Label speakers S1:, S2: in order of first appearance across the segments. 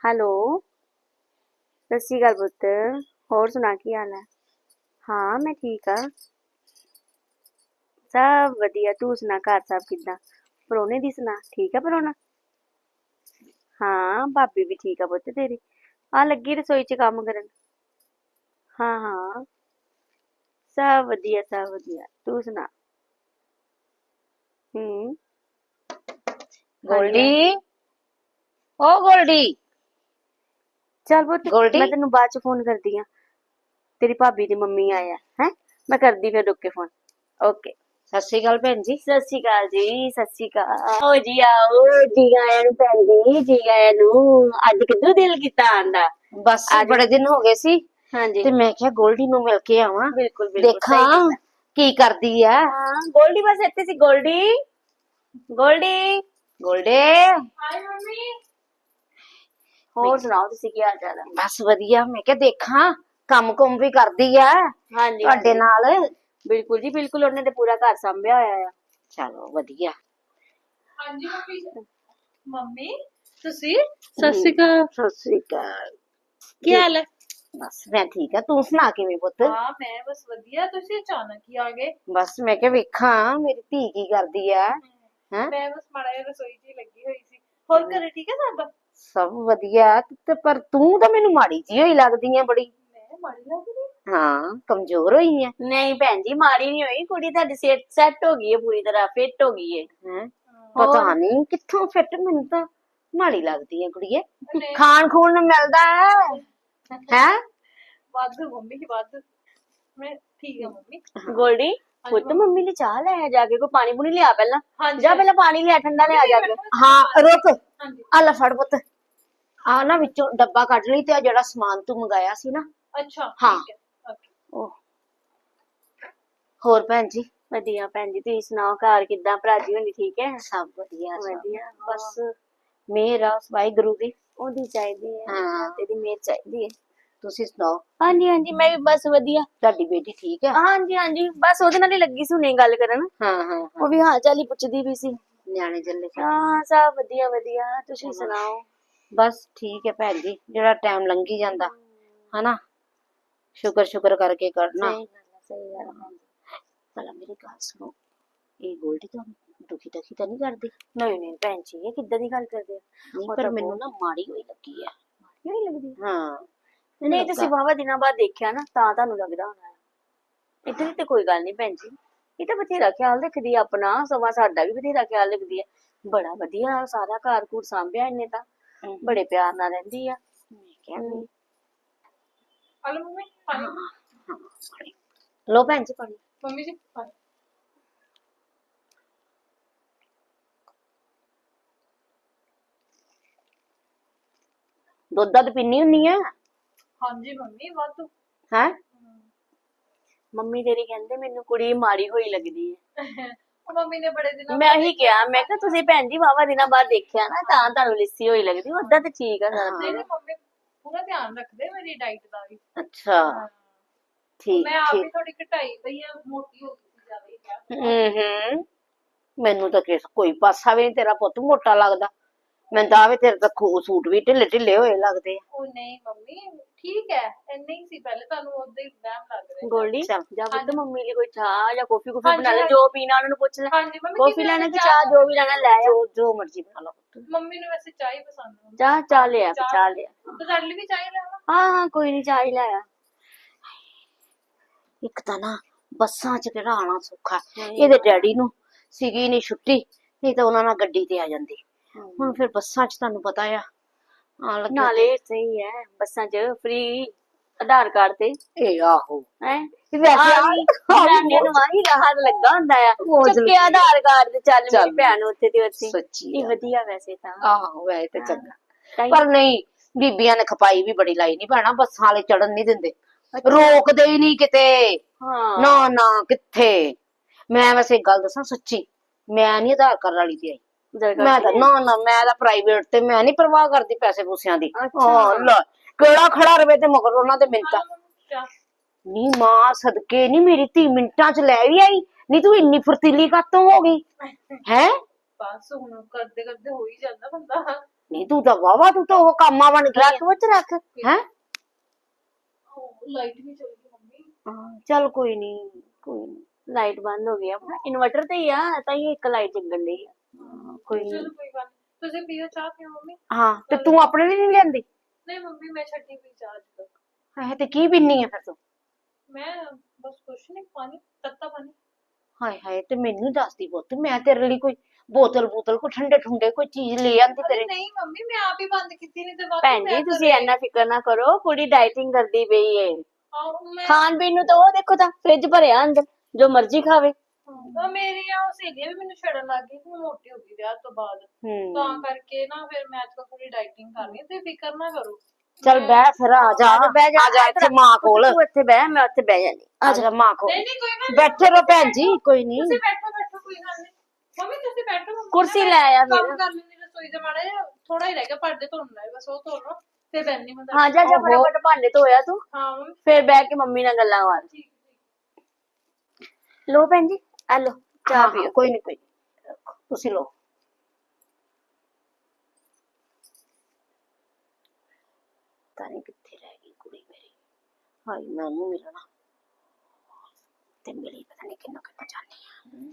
S1: Hello. ਸਤਿ ਸ਼੍ਰੀ ਅਕਾਲ ਪੁੱਤ। ਹੋਰ ਸੁਣਾ ਕੀ ਹਾਲ ਹੈ? ਹਾਂ ਮੈਂ ਠੀਕ ਆ। ਸਭ ਵਧੀਆ। ਤੂੰ ਸੁਣਾ ਘਰ ਸਭ ਕਿੱਦਾਂ? ਪ੍ਰਾਹੁਣੇ ਦੀ ਸੁਣਾ, ਠੀਕ ਆ ਪ੍ਰਾਹੁਣਾ? ਹਾਂ ਭਾਬੀ ਵੀ ਠੀਕ ਆ ਪੁੱਤ ਤੇਰੀ। ਆ ਲੱਗੀ ਰਸੋਈ 'ਚ ਕੰਮ ਕਰਨ। ਹਾਂ ਹਾਂ ਸਭ ਵਧੀਆ ਸਭ ਵਧੀਆ। ਤੂੰ ਸੁਣਾ। ਹੂੰ। ਹਾਂਜੀ
S2: ਗੋਲਡੀ,
S1: ਹਾਂਜੀ।
S2: ਓ ਗੋਲਡੀ,
S1: ਚੱਲ ਪੁੱਤ
S2: ਗੋਲਡੀ।
S1: ਮੈਂ ਤੈਨੂੰ ਬਾਅਦ 'ਚ ਫੋਨ ਕਰਦੀ ਆ। ਤੇਰੀ ਭਾਬੀ ਦੀ ਮੰਮੀ ਆਇਆ ਹੈ। ਮੈਂ ਕਰਦੀ ਫਿਰ ਰੁਕ ਕੇ ਫੋਨ। ਓਕੇ।
S2: ਸਤਿ ਸ੍ਰੀ ਅਕਾਲ ਭੈਣ ਜੀ।
S1: ਸਤਿ ਸ਼੍ਰੀ ਅਕਾਲ ਜੀ। ਸਤਿ ਸ਼੍ਰੀ ਅਕਾਲ। ਆਓ ਜੀ ਆਓ। ਜੀ ਆਇਆਂ ਨੂੰ ਭੈਣ ਜੀ। ਜੀ ਆਇਆਂ ਨੂੰ। ਅੱਜ ਕਿੱਦੋਂ ਦਿਲ ਕੀਤਾ ਆਂਦਾ?
S2: ਬਸ
S1: ਅੱਜ
S2: ਬੜੇ ਦਿਨ ਹੋ ਗਏ ਸੀ
S1: ਹਾਂਜੀ
S2: ਤੇ ਮੈਂ ਕਿਹਾ ਗੋਲਡੀ ਨੂੰ ਮਿਲ ਕੇ ਆਵਾਂ,
S1: ਬਿਲਕੁਲ ਬਿਲਕੁਲ ਸਹੀ
S2: ਦੇਖਾਂ
S1: ਕੀਤਾ।
S2: ਕੀ ਕਰਦੀ ਆ।
S1: ਹਾਂ ਗੋਲਡੀ ਬਸ ਇੱਥੇ ਸੀ। ਗੋਲਡੀ ਗੋਲਡੀ।
S2: ਗੋਲਡੇ,
S1: ਹਾਏ ਮੰਮੀ।
S2: ਮੈਂ
S1: ਹੋਰ ਸੁਣਾਓ ਤੁਸੀਂ ਕੀ ਹਾਲ ਚਾਲ ਹੈ?
S2: ਬਸ ਵਧੀਆ। ਮੈਂ ਕਿਹਾ ਦੇਖਾਂ ਕੰਮ ਕੁਮ ਵੀ ਕਰਦੀ ਆ
S1: ਹਾਂਜੀ
S2: ਤੁਹਾਡੇ
S1: ਹਾਂਜੀ
S2: ਨਾਲ।
S1: ਬਿਲਕੁਲ ਜੀ ਬਿਲਕੁਲ। ਉਹਨੇ ਤੇ ਪੂਰਾ ਘਰ ਸੰਭਿਆ ਹੋਇਆ ਆ।
S2: ਚਲੋ ਵਧੀਆ।
S3: ਹਾਂਜੀ ਮੰਮੀ। ਮੰਮੀ ਤੁਸੀਂ ਸਤਿ ਸ਼੍ਰੀ ਅਕਾਲ।
S2: ਸਤਿ ਸ੍ਰੀ ਅਕਾਲ।
S3: ਕੀ ਹਾਲ ਹੈ?
S2: ਬਸ ਮੈਂ ਠੀਕ ਆ। ਤੂੰ ਸੁਣਾ ਕਿਵੇਂ ਪੁੱਤ?
S3: ਹਾਂ ਮੈਂ ਬਸ ਵਧੀਆ। ਤੁਸੀਂ ਅਚਾਨਕ ਹੀ ਆ ਗਏ।
S2: ਬਸ ਮੈਂ ਕਿਹਾ ਵੇਖਾਂ ਮੇਰੀ ਧੀ ਕੀ ਕਰਦੀ ਆ। ਹੈਂ?
S3: ਮੈਂ ਬਸ ਮਾੜਾ ਜਿਹਾ ਰਸੋਈ 'ਚ ਹੀ ਲੱਗੀ ਹੋਈ ਸੀ। ਹੋਰ ਘਰੇ ਠੀਕ ਹੈ ਸਾਡਾ?
S2: ਸਭ ਵਧੀਆ ਤੇ ਪਰ ਤੂੰ ਤਾਂ ਮੈਨੂੰ ਮਾੜੀ ਜਿਹੀ ਹੋਈ ਲੱਗਦੀ ਆ ਬੜੀ।
S3: ਮੈਂ ਮਾੜੀ ਲੱਗ ਰਹੀ?
S2: ਹਾਂ ਕਮਜ਼ੋਰ ਹੋਈ ਆ।
S1: ਨਹੀਂ ਭੈਣ ਜੀ ਮਾੜੀ ਨਹੀਂ ਹੋਈ। ਕੁੜੀ ਤੁਹਾਡੀ ਸਿਹਤ ਸੈੱਟ ਹੋ ਗਈ ਹੈ ਪੂਰੀ ਤਰ੍ਹਾਂ ਫਿੱਟ ਹੋ ਗਈ ਹੈ।
S2: ਹੈਂ?
S1: ਹੋਰ
S2: ਪਤਾ ਨਹੀਂ ਕਿੱਥੋਂ ਫਿੱਟ, ਮੈਨੂੰ ਤਾਂ ਮਾੜੀ ਲੱਗਦੀ ਆ ਕੁੜੀਏ।
S3: ਨਹੀਂ
S2: ਖਾਣ ਖੂਣ ਨੂੰ ਮਿਲਦਾ ਹੈ।
S3: ਵਾਧੂ ਮੰਮੀ ਵਾਧੂ। ਮੈਂ ਠੀਕ ਆ ਮੰਮੀ।
S1: ਗੋਲਡੀ
S3: ਹਾਂਜੀ
S1: ਪੁੱਤ ਮੰਮੀ ਲਈ ਚਾਹ ਲੈ ਆ ਜਾ ਕੇ। ਕੋਈ ਪਾਣੀ ਪੂਣੀ ਲਿਆ ਪਹਿਲਾਂ।
S3: ਹਾਂਜੀ
S1: ਜਾ ਪਹਿਲਾਂ ਪਾਣੀ ਲਿਆ ਠੰਡਾ ਲਿਆ ਜਾ ਕੇ।
S2: ਹਾਂ ਰੁਕ,
S3: ਹਾਂਜੀ
S2: ਆ ਲੈ ਫੜ ਪੁੱਤ। ਆ ਨਾ ਵਿੱਚੋਂ ਡੱਬਾ ਕੱਢ ਲਈ ਤੇ ਆ ਜਿਹੜਾ ਸਮਾਨ ਤੂੰ ਮੰਗਾਇਆ ਸੀ ਨਾ।
S3: ਅੱਛਾ
S2: ਹਾਂ।
S3: ਠੀਕ ਹੈ ਓਕੇ।
S2: ਉਹ ਹੋਰ ਭੈਣ ਜੀ?
S1: ਵਧੀਆ ਭੈਣ ਜੀ ਤੁਸੀਂ ਸੁਣਾਓ ਘਰ ਕਿੱਦਾਂ? ਭਰਾ ਜੀ ਹੋਣੀ ਠੀਕ ਹੈ?
S2: ਸਭ ਵਧੀਆ ਸਭ
S1: ਵਧੀਆ
S2: ਬਸ ਮਿਹਰ ਆ ਵਾਹਿਗੁਰੂ ਦੀ।
S1: ਉਹਦੀ ਚਾਹੀਦੀ ਹੈ।
S2: ਹਾਂ
S1: ਤੇਰੀ ਮਿਹਰ ਚਾਹੀਦੀ ਹੈ।
S2: ਤੁਸੀਂ ਸੁਣਾਓ
S1: ਹਾਂਜੀ ਹਾਂਜੀ ਮੈਂ ਵੀ ਬਸ ਵਧੀਆ।
S2: ਤੁਹਾਡੀ ਬੇਟੀ ਠੀਕ ਆ?
S1: ਹਾਂਜੀ ਹਾਂਜੀ ਬਸ ਉਹਦੇ ਨਾਲ ਹੀ ਲੱਗੀ ਸੀ ਹੁਣੇ ਗੱਲ ਕਰਨ।
S2: ਹਾਂ ਹਾਂ
S1: ਉਹ ਵੀ ਹਾਲ ਚਾਲ ਹੀ ਪੁੱਛਦੀ ਵੀ ਸੀ।
S2: ਨਿਆਣੇ ਜੱਲੇ
S1: ਹਾਂ ਸਭ ਵਧੀਆ ਵਧੀਆ। ਤੁਸੀਂ ਸੁਣਾਓ?
S2: ਬਸ ਠੀਕ ਹੈ ਭੈਣ ਜੀ। ਜਿਹੜਾ ਟਾਈਮ ਲੰਘੀ ਜਾਂਦਾ ਹਨਾ, ਸ਼ੁਕਰ ਸ਼ੁਕਰ ਕਰਕੇ ਕਰਨਾ।
S1: ਸਹੀ ਗੱਲ ਹੈ ਸਹੀ ਗੱਲ ਹੈ ਭੈਣ ਜੀ।
S2: ਭਲਾ ਮੇਰੀ ਗੱਲ ਸੁਣੋ, ਇਹ ਗੋਲਡੀ ਤਾਂ ਦੁਖੀ ਟਖੀ ਤਾਂ ਨਹੀਂ ਕਰਦੀ?
S1: ਨਹੀਂ ਨਹੀਂ ਭੈਣ ਜੀ ਇਹ ਕਿੱਦਾਂ ਦੀ ਗੱਲ ਕਰਦੇ ਆ?
S2: ਨਹੀਂ
S1: ਉਹ
S2: ਪਰ
S1: ਤਾਂ
S2: ਮੈਨੂੰ
S1: ਬਹੁਤ
S2: ਨਾ ਮਾੜੀ ਹੋਈ ਲੱਗੀ ਆ।
S1: ਨਹੀਂ ਲੱਗਦੀ।
S2: ਹਾਂ
S1: ਨਹੀਂ ਤੁਸੀਂ ਵਾਹਵਾ ਦਿਨਾਂ ਬਾਅਦ ਦੇਖਿਆ ਨਾ ਤਾਂ ਤੁਹਾਨੂੰ ਲੱਗਦਾ ਹੋਣਾ ਹੈ। ਇਤਨੀ ਤੇ ਕੋਈ ਗੱਲ ਨਹੀਂ ਭੈਣ ਜੀ। ਇਹ ਤਾਂ ਬਥੇਰਾ ਖਿਆਲ ਰੱਖਦੀ ਆ ਆਪਣਾ। ਸਮਾਂ ਸਾਡਾ ਵੀ ਬਥੇਰਾ ਖਿਆਲ ਰੱਖਦੀ ਹੈ। ਬੜਾ ਵਧੀਆ ਸਾਰਾ ਘਰ ਘੂਰ ਸਾਂਭਿਆ ਇਹਨੇ ਤਾਂ। ਬੜੇ ਪਿਆਰ ਨਾਲ ਰਹਿੰਦੀ ਆ।
S2: ਮੈਂ ਕਿਹਾ ਵੀ
S3: ਹਲੋ ਮੰਮੀ ਪਾਣੀ।
S2: ਹਾਂ ਲੋ ਭੈਣ ਜੀ ਪਾਣੀ।
S3: ਮੰਮੀ ਜੀ ਪਾਣੀ।
S2: ਦੁੱਧ ਦੱਧ ਪੀਨੀ ਹੁੰਨੀ ਆ?
S3: ਹਾਂਜੀ ਮੰਮੀ ਵਾਧੂ।
S2: ਹੈ
S1: ਮੰਮੀ ਤੇਰੀ ਕਹਿੰਦੇ ਮੈਨੂੰ ਕੁੜੀ ਮਾੜੀ ਹੋਈ ਲੱਗਦੀ ਹੈ।
S3: ਉਹ ਮੰਮੀ ਨੇ ਬੜੇ ਦਿਨਾਂ
S1: ਮੈਂ
S3: ਬਾਅਦ
S1: ਉਹੀ ਕਿਹਾ ਮੈਂ ਕਿਹਾ ਤੁਸੀਂ ਭੈਣ ਜੀ ਵਾਹਵਾ ਦਿਨਾਂ ਬਾਅਦ ਦੇਖਿਆ ਨਾ ਤਾਂ ਤੁਹਾਨੂੰ ਲਿੱਸੀ ਹੋਈ ਲੱਗਦੀ। ਓਦਾਂ ਤੇ ਠੀਕ ਆ ਸਾਰਾ
S3: ਨਹੀਂ
S1: ਦਿਨ।
S3: ਨਹੀਂ ਮੰਮੀ ਪੂਰਾ ਧਿਆਨ ਰੱਖਦੇ ਮੇਰੀ ਡਾਈਟ ਦਾ ਵੀ।
S2: ਅੱਛਾ
S3: ਹਾਂ
S2: ਠੀਕ
S3: ਮੈਂ ਆਪ
S2: ਠੀਕ।
S3: ਵੀ ਥੋੜੀ ਘਟਾਈ ਪਈ ਆ। ਮੋਟੀ ਹੋ ਗਈ ਸੀ ਜ਼ਿਆਦਾ ਹੀ ਕਿਹਾ।
S2: ਮੈਨੂੰ ਤਾਂ ਕੋਈ ਪਾਸਾ ਵੀ ਨਹੀਂ ਤੇਰਾ ਪੁੱਤ ਮੋਟਾ ਲੱਗਦਾ। ਮੈਨੂੰ ਤਾਂ ਆਵੇ ਤੇਰੇ ਤਾਂ ਸੂਟ ਵੀ ਢਿੱਲੇ ਢਿੱਲੇ ਹੋਏ ਲੱਗਦੇ ਆ।
S3: ਉਹ ਨਹੀਂ ਮੰਮੀ ਠੀਕ ਹੈ ਇੰਨੇ ਹੀ ਸੀ ਪਹਿਲੇ ਤੁਹਾਨੂੰ ਉਦਾਂ ਹੀ ਵਹਿਮ ਲੱਗ ਰਿਹਾ।
S1: ਗੋਲਡੀ
S2: ਚੱਲ
S1: ਜਾਂ ਪੁੱਤ ਮੰਮੀ ਲਈ ਕੋਈ ਚਾਹ ਜਾਂ ਕੌਫੀ ਕੁਫੀ
S3: ਹਾਂਜੀ,
S1: ਬਣਾ ਲੈ।
S3: ਹਾਂਜੀ।
S1: ਜੋ ਪੀਣਾ ਉਹਨਾਂ ਨੂੰ ਪੁੱਛ ਲੈ।
S3: ਹਾਂਜੀ ਮੰਮੀ
S1: ਕੌਫੀ ਲੈਣਾ ਕਿ ਚਾਹ ਜੋ ਵੀ ਲੈਣਾ ਲੈ ਆ।
S2: ਜੋ ਜੋ ਮਰਜ਼ੀ ਬਣਾ ਲਾ ਪੁੱਤ।
S3: ਮੰਮੀ ਨੂੰ ਵੈਸੇ ਚਾਹ ਹੀ ਪਸੰਦ ਹੈ।
S1: ਚਾਹ ਚਾਹ ਲਿਆ ਚਾਹ ਲਿਆ।
S3: ਤੇ ਸਾਡੇ ਲਈ ਵੀ ਚਾਹ ਹੀ ਲੈਣਾ।
S1: ਹਾਂ ਹਾਂ ਕੋਈ ਨਹੀਂ ਚਾਹ ਹੀ ਲਾਇਆ।
S2: ਇੱਕ ਤਾਂ ਨਾ ਬੱਸਾਂ 'ਚ ਕਿਹੜਾ ਆਉਣਾ ਸੌਖਾ। ਇਹਦੇ ਡੈਡੀ ਨੂੰ ਸੀਗੀ ਨਹੀਂ ਛੁੱਟੀ, ਨਹੀਂ ਤਾਂ ਉਹਨਾਂ ਨਾਲ ਗੱਡੀ ਤੇ ਆ ਜਾਂਦੀ। ਹੁਣ ਫਿਰ ਬੱਸਾਂ 'ਚ ਤੁਹਾਨੂੰ ਪਤਾ ਆ ਆਉਣ ਲੱਗਿਆ
S1: ਨਾਲੇ ਸਹੀ ਹੈ ਬੱਸਾਂ 'ਚ ਫ੍ਰੀ ਆਧਾਰ ਕਾਰਡ ਤੇ
S2: ਇਹ ਆਹੋ
S1: ਹੈ।
S2: ਵੈਸੇ
S1: ਜਨਾਨੀਆਂ ਨੂੰ ਆਹੀ ਰਾਹਤ ਲੱਗਾ ਹੁੰਦਾ ਆ। ਚੱਕੇ ਆਧਾਰ ਕਾਰਡ ਤੇ ਚੱਲ ਮੇਰੀ ਭੈਣ ਉੱਥੇ ਤੇ ਉੱਥੇ।
S2: ਸੱਚੀ
S1: ਇਹ ਵਧੀਆ ਵੈਸੇ ਤਾਂ।
S2: ਆਹੋ ਵੈਸੇ ਤੇ ਚੰਗਾ।
S1: ਤਾਂ ਹੀ-
S2: ਪਰ ਨਹੀਂ ਬੀਬੀਆਂ ਨੇ ਖਪਾਈ ਵੀ ਬੜੀ ਲਾਈ ਨਹੀਂ ਭੈਣਾ। ਬੱਸਾਂ ਵਾਲੇ ਚੜਨ ਨਹੀਂ ਦਿੰਦੇ, ਰੋਕਦੇ ਹੀ ਨਹੀਂ ਕਿਤੇ।
S1: ਹਾਂ
S2: ਨਾ ਨਾ ਕਿੱਥੇ। ਮੈਂ ਵੈਸੇ ਇੱਕ ਗੱਲ ਦੱਸਾਂ ਸੱਚੀ, ਮੈਂ ਨਹੀਂ ਆਧਾਰ ਕਾਰਡ ਵਾਲੀ ਤੇ ਆਈ। ਮੈਂ ਤਾਂ ਨਾ ਨਾ ਮੈਂ ਤਾਂ ਪ੍ਰਾਈਵੇਟ ਤੇ ਮੈਂ ਨਹੀਂ ਪਰਵਾਹ ਕਰਦੀ ਪੈਸੇ ਪੂਸਿਆਂ ਦੀ। ਹਾਂ ਲੈ ਕਿਹੜਾ ਖੜਾ ਰਵੇ ਤੇ ਮਗਰ ਉਹਨਾਂ ਦੇ ਮਿੰਟਾਂ।
S3: ਚਾਹ
S2: ਨੀ ਮਾਂ ਸਦਕੇ ਨੀ ਮੇਰੀ ਧੀ ਮਿੰਟਾਂ 'ਚ ਲੈ ਵੀ ਆਈ। ਨਹੀਂ ਤੂੰ ਇੰਨੀ ਫੁਰਤੀਲੀ ਕਾਤੋਂ ਹੋ ਗਈ ਹੈ?
S3: ਬਸ ਹੁਣ ਕਰਦੇ ਕਰਦੇ ਹੋ ਹੀ ਜਾਂਦਾ ਬੰਦਾ।
S2: ਨਹੀਂ ਤੂੰ ਤਾਂ ਵਾਵਾ, ਤੂੰ ਤਾਂ ਉਹ ਕਾਮਾ ਬਣ ਗਈ
S1: ਰੱਖ ਪੁੱਤ ਰੱਖ।
S2: ਹੈ।
S3: ਲਾਈਟ ਵੀ ਚਲ ਗਈ ਮੰਮੀ।
S2: ਚੱਲ ਕੋਈ ਨਹੀਂ, ਕੋਈ ਨਹੀਂ,
S1: ਲਾਈਟ ਬੰਦ ਹੋ ਗਈ ਆ, ਇਨਵਰਟਰ ਤੇ ਹੀ ਆ, ਤਾਂ ਹੀ ਇੱਕ ਲਾਈਟ ਜਗਣ ਡਈ ਆ।
S2: ਕੋਈ ਨਹੀਂ।
S3: ਚਲੋ ਕੋਈ ਗੱਲ ਨੀ। ਤੁਸੀਂ ਪੀਓ ਚਾਹ ਪੀਓ ਮੰਮੀ।
S2: ਹਾਂ ਤੇ ਤੂੰ ਆਪਣੇ ਲਈ ਨਹੀਂ ਲਿਆਂਦੀ?
S3: ਨਹੀਂ ਮੰਮੀ ਮੈਂ ਛੱਡੀ ਪੀ ਚਾਹ ਅੱਜ ਤੱਕ।
S2: ਹੈ ਤੇ ਕੀ ਪੀਨੀ ਆ ਫਿਰ ਤੂੰ?
S3: ਮੈਂ ਬਸ ਕੁਛ ਨਹੀਂ, ਪਾਣੀ, ਤੱਤਾ ਪਾਣੀ।
S2: ਹਾਏ ਹਾਏ, ਤੇ ਮੈਨੂੰ ਦੱਸਦੀ ਪੁੱਤ, ਮੈਂ ਤੇਰੇ ਲਈ ਕੋਈ ਬੋਤਲ ਕੋਈ ਠੰਡੇ ਠੁੰਡੇ ਕੋਈ ਚੀਜ਼ ਲੈ ਆਂਦੀ
S3: ਅਰੇ
S2: ਤੇਰੇ।
S3: ਨਹੀਂ ਮੰਮੀ ਮੈਂ ਆਪ ਹੀ ਬੰਦ ਕੀਤੀ, ਨਹੀਂ ਤੇ ਬਾਕੀ
S1: ਭੈਣ ਜੀ ਤੁਸੀਂ ਇੰਨਾ ਫਿਕਰ ਨਾ ਕਰੋ, ਕੁੜੀ ਡਾਈਟਿੰਗ ਕਰਦੀ ਪਈ ਏ।
S3: ਮੈਂ
S1: ਖਾਣ ਪੀਣ ਨੂੰ ਤਾਂ ਉਹ ਦੇਖੋ ਤਾਂ ਫ੍ਰਿਜ ਭਰਿਆ ਅੰਦਰ, ਜੋ ਮਰਜ਼ੀ ਖਾਵੇ।
S3: ਉਹ ਮੇਰੀਆਂ ਸਹੇਲੀਆਂ ਵੀ ਮੈਨੂੰ ਛੱਡਣ ਲੱਗ ਗਈ ਕਿ ਮੈਂ ਮੋਟੀ ਹੋ ਗਈ ਵਿਆਹ ਤੋਂ ਬਾਅਦ। ਤਾਂ ਕਰਕੇ ਨਾ ਫਿਰ ਮੈਂ ਅੱਜ ਥੋੜੀ ਡਾਈਟਿੰਗ ਕਰਨੀ ਤੇ ਫਿਕਰ ਨਾ ਕਰੋ।
S2: ਚੱਲ ਬਹਿ ਫਿਰ, ਆ ਜਾ
S1: ਬਹਿ ਜਾ,
S2: ਆ ਜਾ ਇੱਥੇ ਮਾਂ ਕੋਲ,
S1: ਤੂੰ ਇੱਥੇ ਬਹਿ, ਮੈਂ ਉੱਥੇ ਬਹਿ ਜਾਂਦੀ।
S2: ਆ ਜਾ ਮਾਂ ਕੋਲ।
S3: ਨਹੀਂ ਨਹੀਂ ਕੋਈ ਗੱਲ ਨੀ,
S2: ਬੈਠੇ ਰਹੋ ਭੈਣ ਜੀ, ਕੋਈ ਨਹੀਂ।
S3: ਤੁਸੀਂ ਬੈਠੋ ਬੈਠੋ ਕੋਈ ਗੱਲ ਨਹੀਂ। ਮੰਮੀ ਤੁਸੀਂ ਬੈਠੋ, ਮੰਮੀ
S1: ਕੁਰਸੀ
S3: ਨਾ
S1: ਲੈ ਆਇਆ
S3: ਕੰਮ
S1: ਫਿਰ।
S3: ਕਰ ਲੈਂਦੀ ਰਸੋਈ ਦੇ ਮਾੜੇ ਥੋੜਾ ਹੀ ਰਹਿ ਗਿਆ, ਭਾਂਡੇ ਧੋਣ ਹੈ ਬਸ, ਉਹ ਧੋ ਲਓ ਤੇ ਬੈਠਣੀ ਮੈਂ
S1: ਹਾਂ ਜਾ ਜਾ ਫਟਾਫਟ ਭਾਂਡੇ ਧੋਇਆ ਤੂੰ,
S3: ਹਾਂ ਮੰਮੀ
S1: ਫਿਰ ਬਹਿ ਕੇ ਮੰਮੀ ਨਾਲ ਗੱਲਾਂ ਮਾਰ।
S3: ਠੀਕ
S1: ਲੋ ਭੈਣ ਜੀ, ਆ ਲੋ ਚਾਹ ਪੀਓ।
S2: ਕੋਈ ਨਹੀਂ, ਕੋਈ ਨੀ, ਤੁਸੀਂ ਲੋ। ਤਾਂ ਨਹੀਂ ਕਿੱਥੇ ਰਹਿ ਗਈ ਕੁੜੀ ਮੇਰੀ? ਹਾਏ ਮੈਂ ਉਹਨੂੰ ਮਿਲਣਾ ਤੇ ਮਿਲੀ ਪਤਾ ਨਹੀਂ ਕਿੰਨਾ ਕਿੰਨਾ ਜਾਣੀ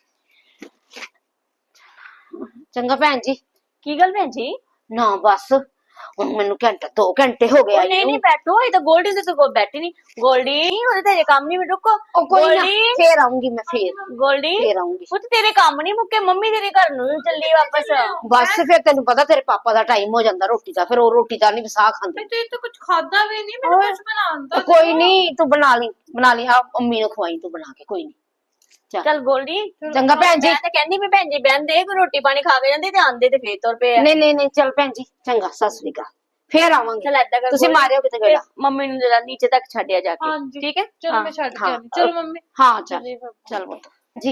S2: ਆ। ਚੰਗਾ ਭੈਣ ਜੀ।
S1: ਕੀ ਗੱਲ ਭੈਣ ਜੀ?
S2: ਨਾ ਬਸ ਹੁਣ ਮੈਨੂੰ ਘੰਟਾ 2 ਘੰਟੇ ਹੋ ਗਏ ਆਈ
S1: ਨਹੀਂ
S2: ਨੂੰ।
S1: ਨਹੀਂ ਬੈਠੋ, ਇਹ ਤਾਂ ਗੋਲਡੀ ਦੇ ਕੋਲ ਬੈਠੀ ਨਹੀਂ। ਗੋਲਡੀ ਉਹਦੇ ਤੇ ਕੰਮ ਨਹੀਂ, ਰੁਕੋ।
S2: ਉਹ ਕੋਈ ਨਾ,
S1: ਗੋਲਡੀ
S2: ਫੇਰ ਆਉਂਗੀ ਮੈਂ,
S1: ਗੋਲਡੀ
S2: ਫੇਰ ਆਉਂਗੀ।
S1: ਪੁੱਤ ਤੇਰੇ ਕੰਮ ਨਹੀਂ ਮੁੱਕੇ, ਮੰਮੀ ਤੇਰੇ ਘਰ ਨੂੰ ਚੱਲੀ ਵਾਪਸ।
S2: ਬਸ ਫਿਰ ਤੈਨੂੰ ਪਤਾ ਤੇਰੇ ਪਾਪਾ ਦਾ ਟਾਈਮ ਹੋ ਜਾਂਦਾ ਰੋਟੀ ਦਾ, ਫਿਰ ਉਹ ਰੋਟੀ ਦਾ ਨਹੀਂ ਵਸਾ ਖਾਂਦੇ।
S3: ਤੇ ਤੂੰ ਕੁਝ ਖਾਦਾ ਵੀ ਨਹੀਂ, ਮੈਨੂੰ ਕੁਝ ਬਣਾਉਣ ਦਾ
S2: ਕੋਈ ਨਹੀਂ, ਤੂੰ ਬਣਾ ਲਈ ਆ, ਅੰਮੀ ਨੂੰ ਖਵਾਈ ਤੂੰ ਬਣਾ ਕੇ, ਕੋਈ ਨਹੀਂ।
S1: ਚੱਲ ਗੋਲਡੀ
S2: ਚੰਗਾ ਭੈਣ ਜੀ।
S1: ਮੈਂ ਤਾਂ ਕਹਿੰਦੀ ਵੀ ਭੈਣ ਜੀ ਬਹਿੰਦੇ, ਕੋਈ ਰੋਟੀ ਪਾਣੀ ਖਾ ਕੇ ਜਾਂਦੇ ਤੇ ਆਂਦੇ ਤੇ ਫੇਰ ਤੁਰ ਪਏ ਆ।
S2: ਨਹੀਂ ਨਹੀਂ ਨਹੀਂ, ਚੱਲ ਭੈਣ ਜੀ, ਚੰਗਾ, ਸਤਿ ਸ੍ਰੀ ਅਕਾਲ, ਫੇਰ ਆਵਾਂਗੇ।
S1: ਚੱਲ ਏਦਾਂ ਕਰ,
S2: ਤੁਸੀਂ ਮਾਰਿਓ ਕਿਤੇ ਗੇੜਾ।
S1: ਮੰਮੀ ਨੂੰ ਜਰਾ ਨੀਚੇ ਤੱਕ ਛੱਡਿਆ ਜਾ ਕੇ,
S3: ਹਾਂਜੀ
S1: ਠੀਕ ਹੈ?
S3: ਚਲੋ ਮੈਂ ਛੱਡ ਕੇ ਆਉਂਦੀ। ਚਲੋ ਮੰਮੀ
S2: ਹਾਂ ਚੱਲ ਚੱਲ ਪੁੱਤ ਜੀ।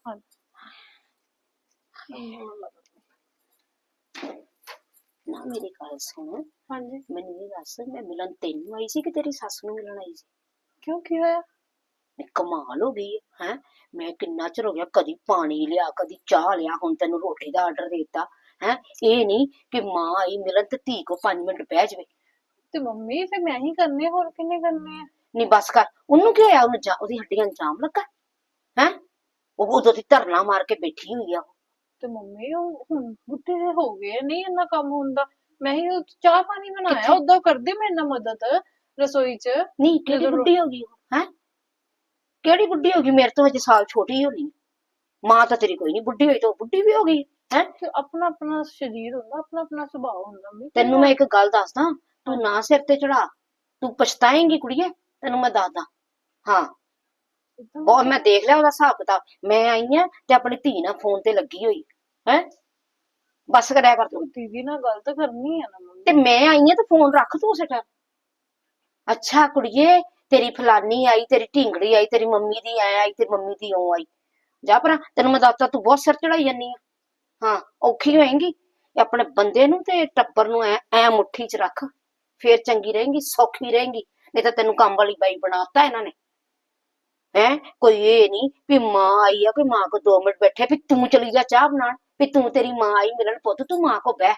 S2: ਨਾ ਮੇਰੀ ਗੱਲ ਸੁਣ,
S3: ਹਾਂਜੀ
S2: ਮੈਨੂੰ ਇਹ ਦੱਸ, ਮੈਂ ਮਿਲਣ ਤੈਨੂੰ ਆਈ ਸੀ ਕਿ ਤੇਰੀ ਸੱਸ ਨੂੰ ਮਿਲਣ ਆਈ ਸੀ?
S3: ਕਿਉਂ ਕੀ ਹੋਇਆ?
S2: ਕਮਾਲ ਹੋ ਗਈ ਹੈ। ਮੈਂ ਕਿੰਨਾ ਚਿਰ ਹੋ ਗਿਆ, ਕਦੀ ਪਾਣੀ ਲਿਆ ਕਦੀ ਚਾਹ ਲਿਆ, ਹੁਣ ਤੈਨੂੰ ਰੋਟੀ ਦਾ ਆਰਡਰ ਦੇਤਾ ਹੈ। ਇਹ ਨਹੀਂ ਕਿ ਮਾਂ ਆਈ ਮਿਲਣ ਤੇ ਧੀ ਕੋ 5 ਮਿੰਟ ਬਹਿ ਜਾਵੇ।
S3: ਤੇ ਮੰਮੀ ਫਿਰ ਮੈਂ ਹੀ ਕਰਨੇ, ਹੋਰ ਕਿੰਨੇ ਕਰਨੇ ਆ?
S2: ਨਹੀਂ ਬਸ ਕਰ, ਉਹਨੂੰ ਕੀ ਹੋਇਆ? ਉਹਨੂੰ ਉਹਦੀ ਹੱਡੀਆਂ ਨੂੰ ਜਾਮ ਲੱਗਾ ਹੈ? ਉਹ ਉਦੋਂ ਦੀ ਧਰਨਾ ਮਾਰ ਕੇ ਬੈਠੀ ਹੋਈ ਆ।
S3: ਤੇ ਮੰਮੀ ਉਹ ਹੁਣ ਬੁੱਢੇ ਜਿਹੇ ਹੋ ਗਏ, ਨਹੀਂ ਇੰਨਾ ਕੰਮ ਹੁੰਦਾ। ਮੈਂ ਹੀ ਉਹ ਚਾਹ ਪਾਣੀ ਬਣਾਇਆ,
S2: ਕਿੱਥੇ?
S3: ਉਦਾਂ ਕਰਦੇ ਮੇਰੇ ਨਾਲ ਮਦਦ ਰਸੋਈ 'ਚ।
S2: ਨਹੀਂ ਕਿਹੜੀ ਬੁੱਢੀ ਹੋ ਗਈ ਉਹ? ਹੈ ਕਿਹੜੀ ਬੁੱਢੀ ਹੋ ਗਈ? ਮੇਰੇ ਤੋਂ ਹਜੇ ਸਾਲ ਛੋਟੀ ਹੋਣੀ। ਮਾਂ ਤਾਂ ਤੇਰੀ ਕੋਈ ਨਹੀਂ ਬੁੱਢੀ ਹੋਈ, ਤਾਂ ਉਹ ਬੁੱਢੀ ਵੀ ਹੋ ਗਈ ਹੈ।
S3: ਤੇ ਆਪਣਾ ਆਪਣਾ ਸਰੀਰ ਹੁੰਦਾ, ਆਪਣਾ ਆਪਣਾ ਸੁਭਾਅ ਹੁੰਦਾ ਮੰਮੀ।
S2: ਤੈਨੂੰ ਮੈਂ ਇੱਕ ਗੱਲ ਦੱਸਦਾ, ਤੂੰ ਨਾ ਸਿਰ ਤੇ ਚੜਾ, ਤੂੰ ਪਛਤਾਏਂਗੀ ਕੁੜੀਏ, ਤੈਨੂੰ ਮੈਂ ਦੱਸਦਾ। ਹਾਂ ਉਹ ਮੈਂ ਦੇਖ ਲਿਆ ਉਹਦਾ ਹਿਸਾਬ ਕਿਤਾਬ। ਮੈਂ ਆਈ ਆ ਤੇ ਆਪਣੀ ਧੀ ਨਾਲ ਫੋਨ ਤੇ ਲੱਗੀ ਹੋਈ ਹੈ। ਬਸ ਕਰਿਆ ਕਰ ਤੂੰ।
S3: ਦੀਦੀ ਨਾਲ ਗੱਲ ਤਾਂ ਕਰਨੀ ਆ ਨਾ ਮੰਮੀ।
S2: ਤੇ ਮੈਂ ਆਈ ਆ ਤੇ ਫੋਨ ਰੱਖ ਤੂੰ ਉਸੇ ਟਾਈਮ। ਅੱਛਾ ਕੁੜੀਏ, ਤੇਰੀ ਫਲਾਨੀ ਆਈ, ਤੇਰੀ ਢਿੰਗੜੀ ਆਈ, ਤੇਰੀ ਮੰਮੀ ਦੀ ਐ ਆਈ, ਤੇਰੀ ਮੰਮੀ ਦੀ ਉਹ ਆਈ। ਜਾ ਪਰਾਂ, ਤੈਨੂੰ ਮੈਂ ਦੱਸਤਾ, ਤੂੰ ਬਹੁਤ ਸਿਰ ਚੜਾਈ ਜਾਨੀ ਆ। ਹਾਂ ਔਖੀ ਹੋਏਗੀ। ਆਪਣੇ ਬੰਦੇ ਨੂੰ ਤੇ ਟੱਬਰ ਨੂੰ ਐ ਮੁੱਠੀ 'ਚ ਰੱਖ, ਫੇਰ ਚੰਗੀ ਰਹੇਂਗੀ, ਸੌਖੀ ਰਹੇਂਗੀ। ਨਹੀਂ ਤਾਂ ਤੈਨੂੰ ਕੰਮ ਵਾਲੀ ਬਾਈ ਬਣਾਤਾ ਇਹਨਾਂ ਨੇ। ਹੈ ਕੋਈ ਇਹ ਨਹੀਂ ਵੀ ਮਾਂ ਆਈ ਆ, ਕੋਈ ਮਾਂ ਕੋ 2 ਮਿੰਟ ਬੈਠੇ ਵੀ ਤੂੰ ਚਲੀ ਜਾ ਚਾਹ ਬਣਾਉਣ, ਵੀ ਤੂੰ ਤੇਰੀ ਮਾਂ ਆਈ ਮਿਲਣ, ਪੁੱਤ ਤੂੰ ਮਾਂ ਕੋ ਬਹਿ।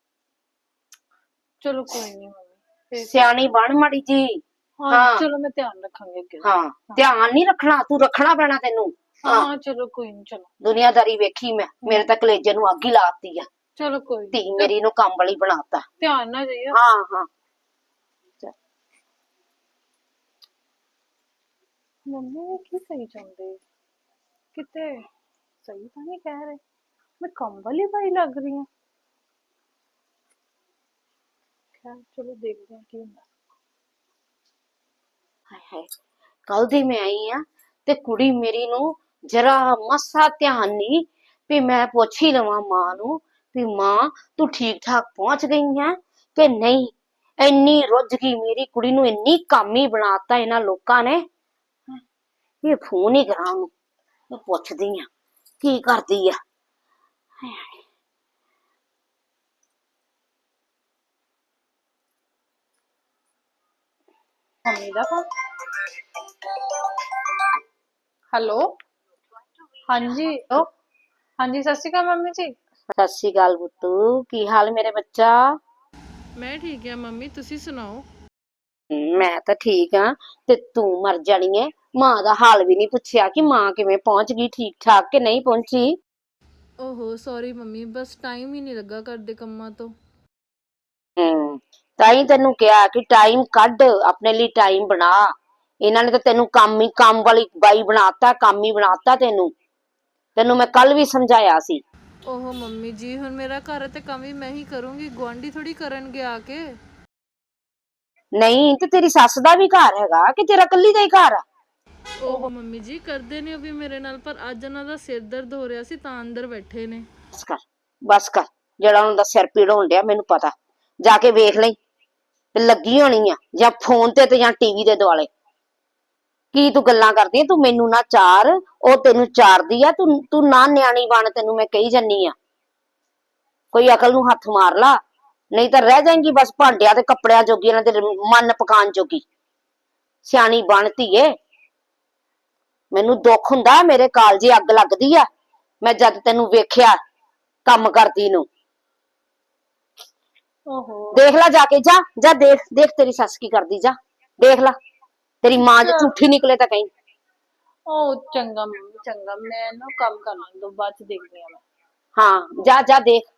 S3: ਚਲੋ ਕੋਈ ਨਹੀਂ ਮੰਮੀ,
S2: ਸਿਆਣੀ ਬਣ ਮਾੜੀ ਜੀ।
S3: ਹਾਂ ਚਲੋ ਮੈਂ ਧਿਆਨ ਰੱਖਾਂਗੀ ਅੱਗੇ।
S2: ਹਾਂ ਧਿਆਨ ਨਹੀਂ ਰੱਖਣਾ, ਤੂੰ ਰੱਖਣਾ ਪੈਣਾ ਤੈਨੂੰ।
S3: ਹਾਂ ਚਲੋ ਕੋਈ ਨਹੀਂ, ਚਲੋ
S2: ਦੁਨੀਆਦਾਰੀ ਵੇਖੀ ਮੈਂ, ਮੇਰੇ ਤਾਂ ਕਲੇਜੇ ਨੂੰ ਅੱਗ ਹੀ ਲਾਤੀ ਆ।
S3: ਚਲੋ ਕੋਈ
S2: ਧੀ ਮੇਰੀ ਨੂੰ ਕੰਮ ਵਾਲੀ ਬਣਾਤਾ।
S3: ਧਿਆਨ ਨਾ ਜਾਈਓ।
S2: ਹਾਂ ਹਾਂ
S3: ਮੰਮੀ ਕੀ ਸਹੀ ਚਾਹੁੰਦੇ? ਕਿਤੇ ਸਹੀ ਤਾਂ ਨਹੀਂ ਕਹਿ ਰਹੇ? ਮੈਂ ਕੰਮ ਵਾਲੀ ਬਾਈ ਲੱਗ ਰਹੀ ਹਾਂ। ਖੈਰ ਚਲੋ ਦੇਖਦੇ ਹਾਂ ਕੀ ਹੁੰਦਾ।
S2: ਹਾਏ ਹਾਏ, ਕੱਲ ਦੀ ਮੈਂ ਆਈ ਆ ਤੇ ਕੁੜੀ ਮੇਰੀ ਨੂੰ ਜਰਾ ਮਸਾ ਧਿਆਨ ਨਹੀਂ ਵੀ ਮੈਂ ਪੁੱਛ ਹੀ ਲਵਾਂ ਮਾਂ ਨੂੰ ਵੀ ਮਾਂ ਤੂੰ ਠੀਕ ਠਾਕ ਪਹੁੰਚ ਗਈ ਹੈ ਕਿ ਨਹੀਂ। ਇੰਨੀ ਰੁੱਝ ਗਈ ਮੇਰੀ ਕੁੜੀ ਨੂੰ, ਇੰਨੀ ਕਾਮੀ ਬਣਾਤਾ ਇਹਨਾਂ ਲੋਕਾਂ ਨੇ। ਇਹ ਫੋਨ ਹੀ ਕਰਾਂ ਉਹਨੂੰ, ਮੈਂ ਪੁੱਛਦੀ ਆ ਕੀ ਕਰਦੀ ਆ।
S3: ਮੰਮੀ ਦਾ ਫੋਨ। ਹੈਲੋ ਹਾਂਜੀ, ਹਾਂਜੀ ਸਤਿ ਸ਼੍ਰੀ ਅਕਾਲ ਮੰਮੀ ਜੀ।
S2: ਸਤਿ ਸ਼੍ਰੀ ਅਕਾਲ ਪੁੱਤੂ, ਕੀ ਹਾਲ ਮੇਰੇ ਬੱਚਾ?
S3: ਮੈਂ ਠੀਕ ਆ ਮੰਮੀ, ਤੁਸੀਂ ਸੁਣਾਓ?
S2: ਮੈਂ ਤਾਂ ਠੀਕ ਆ। ਤੇ ਤੂੰ ਮਰ ਜਾਣੀ ਐ, ਮਾਂ ਦਾ ਹਾਲ ਵੀ ਨਹੀਂ ਪੁੱਛਿਆ ਕਿ ਮਾਂ ਕਿਵੇਂ ਪਹੁੰਚ ਗਈ, ਠੀਕ ਠਾਕ ਕਿ ਨਹੀਂ ਪਹੁੰਚੀ।
S3: ਓਹੋ ਸੌਰੀ ਮੰਮੀ, ਬਸ ਟਾਈਮ ਹੀ ਨਹੀਂ ਲੱਗਾ ਘਰ ਦੇ ਕੰਮਾਂ ਤੋਂ।
S2: ਤਾਂ ਹੀ ਤੈਨੂੰ ਕਿਹਾ ਕਿ ਟਾਈਮ ਕੱਢ, ਆਪਣੇ ਲਈ ਟਾਈਮ ਬਣਾ। ਇਹਨਾਂ ਨੇ ਤਾਂ ਤੈਨੂੰ ਕੰਮ ਵਾਲੀ ਬਾਈ ਬਣਾਤਾ, ਕੰਮ ਹੀ ਬਣਾਤਾ ਤੈਨੂੰ ਮੈਂ ਕੱਲ ਵੀ ਸਮਝਾਇਆ ਸੀ।
S3: ਓਹੋ ਮੰਮੀ ਜੀ, ਹੁਣ ਮੇਰਾ ਘਰ ਤੇ ਕੰਮ ਵੀ ਮੈਂ ਹੀ ਕਰੂੰਗੀ, ਗੁਆਂਢੀ ਥੋੜੀ ਕਰਨਗੇ ਆ ਕੇ।
S2: ਨਹੀਂ ਤੇ ਤੇਰੀ ਸੱਸ ਦਾ ਵੀ ਘਰ ਹੈਗਾ ਕਿ ਤੇਰਾ ਇਕੱਲੀ ਦਾ ਹੀ ਘਰ ਆ?
S3: ਓਹੋ ਮੰਮੀ ਜੀ, ਕਰਦੇ ਨੇ ਉਹ ਵੀ ਮੇਰੇ ਨਾਲ, ਪਰ ਅੱਜ ਉਹਨਾਂ ਦਾ ਸਿਰ ਦਰਦ ਹੋ ਰਿਹਾ ਸੀ ਤਾਂ ਅੰਦਰ ਬੈਠੇ ਨੇ।
S2: ਬਸ ਕਰ, ਜਿਹੜਾ ਉਹਨਾਂ ਦਾ ਸਿਰ ਪੀੜ ਹੋਣ ਡਿਆ ਮੈਨੂੰ ਪਤਾ। ਜਾ ਕੇ ਵੇਖ ਲਈ ਤੇ ਲੱਗੀ ਹੋਣੀ ਆ ਜਾਂ ਫੋਨ ਤੇ ਜਾਂ ਟੀਵੀ ਦੇ ਦੁਆਲੇ। ਕੀ ਤੂੰ ਗੱਲਾਂ ਕਰਦੀ ਆ? ਤੂੰ ਮੈਨੂੰ ਨਾ ਚਾਰ, ਉਹ ਤੈਨੂੰ ਚਾਰਦੀ ਆ। ਤੂੰ ਨਾ ਨਿਆਣੀ ਬਣ, ਤੈਨੂੰ ਮੈਂ ਕਹੀ ਜਾਨੀ ਆ। ਕੋਈ ਅਕਲ ਨੂੰ ਹੱਥ ਮਾਰ ਲਾ, ਨਹੀਂ ਤਾਂ ਰਹਿ ਜਾਏਂਗੀ ਬਸ ਭਾਂਡਿਆਂ ਤੇ ਕੱਪੜਿਆਂ ਜੋਗੀ, ਇਹਨਾਂ ਦੇ ਮਨ ਪਕਾਉਣ ਜੋਗੀ। ਸਿਆਣੀ ਬਣ ਧੀਏ। ਮੈਨੂੰ ਦੁੱਖ ਹੁੰਦਾ, ਮੇਰੇ ਕਾਲਜੇ ਅੱਗ ਲੱਗਦੀ ਆ ਮੈਂ ਜਦ ਤੈਨੂੰ ਵੇਖਿਆ ਕੰਮ ਕਰਦੀ ਨੂੰ।
S3: ਓਹੋ
S2: ਦੇਖ ਲੈ ਜਾ ਕੇ, ਜਾ ਦੇਖ ਤੇਰੀ ਸੱਸ ਕੀ ਕਰਦੀ, ਜਾ ਦੇਖ ਲੈ। ਤੇਰੀ ਮਾਂ ਜੇ ਝੂਠੀ ਨਿਕਲੇ ਤਾਂ ਕਹੀਂ।
S3: ਓ ਚੰਗਾ ਮੰਮੀ ਚੰਗਾ, ਮੈਂ ਨਾ ਕੰਮ ਕਰ ਲਾਂ ਦੋ, ਬਾਅਦ ਚ ਦੇਖਦੀ ਆ ਮੈਂ।
S2: ਹਾਂ ਜਾ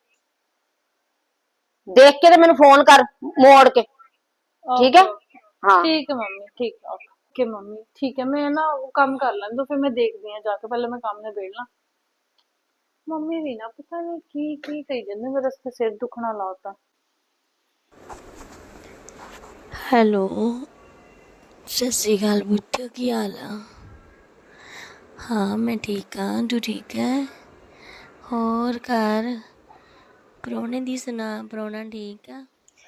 S2: ਦੇਖ ਕੇ ਤੇ ਮੈਨੂੰ ਫੋਨ ਕਰ ਮੋੜ ਕੇ, ਠੀਕ ਹੈ? ਹਾਂ
S3: ਠੀਕ ਹੈ ਮੰਮੀ, ਠੀਕ ਹੈ ਓਕੇ ਮੰਮੀ, ਠੀਕ ਹੈ। ਮੈਂ ਨਾ ਕੰਮ ਕਰ ਲਾਂ ਦੋ, ਫਿਰ ਮੈਂ ਦੇਖਦੀ ਆ ਜਾ ਕੇ, ਪਹਿਲੇ ਮੈਂ ਕੰਮ ਨਿਬੇੜ ਲਾਂ। ਮੰਮੀ ਵੀ ਨਾ ਪਤਾ ਨਹੀਂ ਕੀ ਕੀ ਕਹੀ ਜਾਂਦੇ, ਮੇਰਾ ਸਿਰ ਦੁਖਣਾ ਲਾਤਾ।
S4: ਹੈਲੋ, ਸਤਿ ਸ਼੍ਰੀ ਅਕਾਲ ਪੁੱਤ, ਕੀ ਹਾਲ ਆ? ਹਾਂ ਮੈਂ ਠੀਕ ਹਾਂ, ਤੂੰ ਠੀਕ ਹੈ? ਹੋਰ ਘਰ ਪ੍ਰਾਹੁਣੇ ਦੀ ਸੁਣਾ, ਪ੍ਰਾਹੁਣਾ ਠੀਕ ਆ?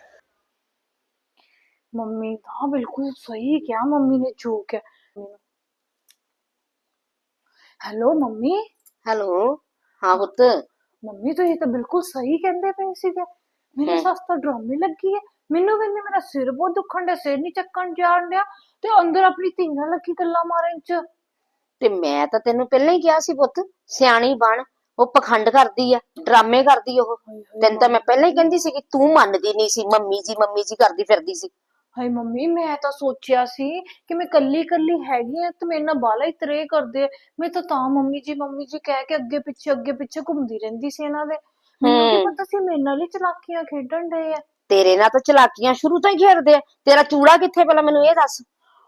S3: ਮੰਮੀ ਹਾਂ ਬਿਲਕੁਲ ਸਹੀ ਕਿਹਾ ਮੰਮੀ ਨੇ, ਜੋ ਕਿਹਾ। Hello mummy.
S2: ਹੈਲੋ, ਹਾਂ ਪੁੱਤ।
S3: ਮੰਮੀ ਤੁਸੀਂ ਤਾਂ ਬਿਲਕੁਲ ਸਹੀ ਕਹਿੰਦੇ ਪਏ ਸੀਗੇ, ਮੇਰੀ ਸੱਸ ਤਾਂ ਡਰਾਮੇ ਲੱਗੀ ਹੈ। ਮੈਨੂੰ ਕਹਿੰਦੀ ਮੇਰਾ ਸਿਰ ਬਹੁਤ ਦੁਖਣ ਡਿਆ, ਸਿਰ ਨੀ ਚੱਕਣ ਜਾਣ ਡਿਆ, ਤੇ ਅੰਦਰ ਆਪਣੀ ਧੀ ਨਾਲ ਲੱਗੀ ਗੱਲਾਂ ਮਾਰਨ ਚ।
S2: ਤੇ ਮੈਂ ਤਾਂ ਤੈਨੂੰ ਪਹਿਲਾਂ ਹੀ ਕਿਹਾ ਸੀ ਪੁੱਤ, ਸਿਆਣੀ ਬਣ। ਉਹ ਪਖੰਡ ਕਰਦੀ ਆ, ਡਰਾਮੇ ਕਰਦੀ ਉਹ। ਤੈਨੂੰ ਤਾਂ ਮੈਂ ਪਹਿਲਾਂ ਹੀ ਕਹਿੰਦੀ ਸੀ ਕਿ ਤੂੰ ਮੰਨਦੀ ਨਹੀਂ ਸੀ, ਮੰਮੀ ਜੀ ਕਰਦੀ ਫਿਰਦੀ ਸੀ।
S3: ਹਾਏ ਮੰਮੀ, ਮੈਂ ਤਾਂ ਸੋਚਿਆ ਸੀ ਕਿ ਮੈਂ ਕੱਲੀ ਹੈਗੀ ਆ ਤੇ ਮੇਰੇ ਨਾਲ ਬਾਲਾ ਹੀ ਤਰੇ ਕਰਦੇ ਆ। ਮੈਂ ਤਾਂ ਮੰਮੀ ਜੀ ਕਹਿ ਕੇ ਅੱਗੇ ਪਿੱਛੇ ਘੁੰਮਦੀ ਰਹਿੰਦੀ ਸੀ ਇਹਨਾਂ ਦੇ। ਮੈਨੂੰ ਕੀ ਪਤਾ ਸੀ ਮੇਰੇ ਨਾਲ ਹੀ ਚਲਾਕੀਆਂ ਖੇਡਣ ਡਏ ਆ।
S2: ਤੇਰੇ ਨਾਲ ਤਾਂ ਚਲਾਕੀਆਂ ਸ਼ੁਰੂ ਤੋਂ ਹੀ ਖੇਡਦੇ ਆ। ਤੇਰਾ ਚੂੜਾ ਕਿੱਥੇ ਪਹਿਲਾਂ ਮੈਨੂੰ ਇਹ ਦੱਸ।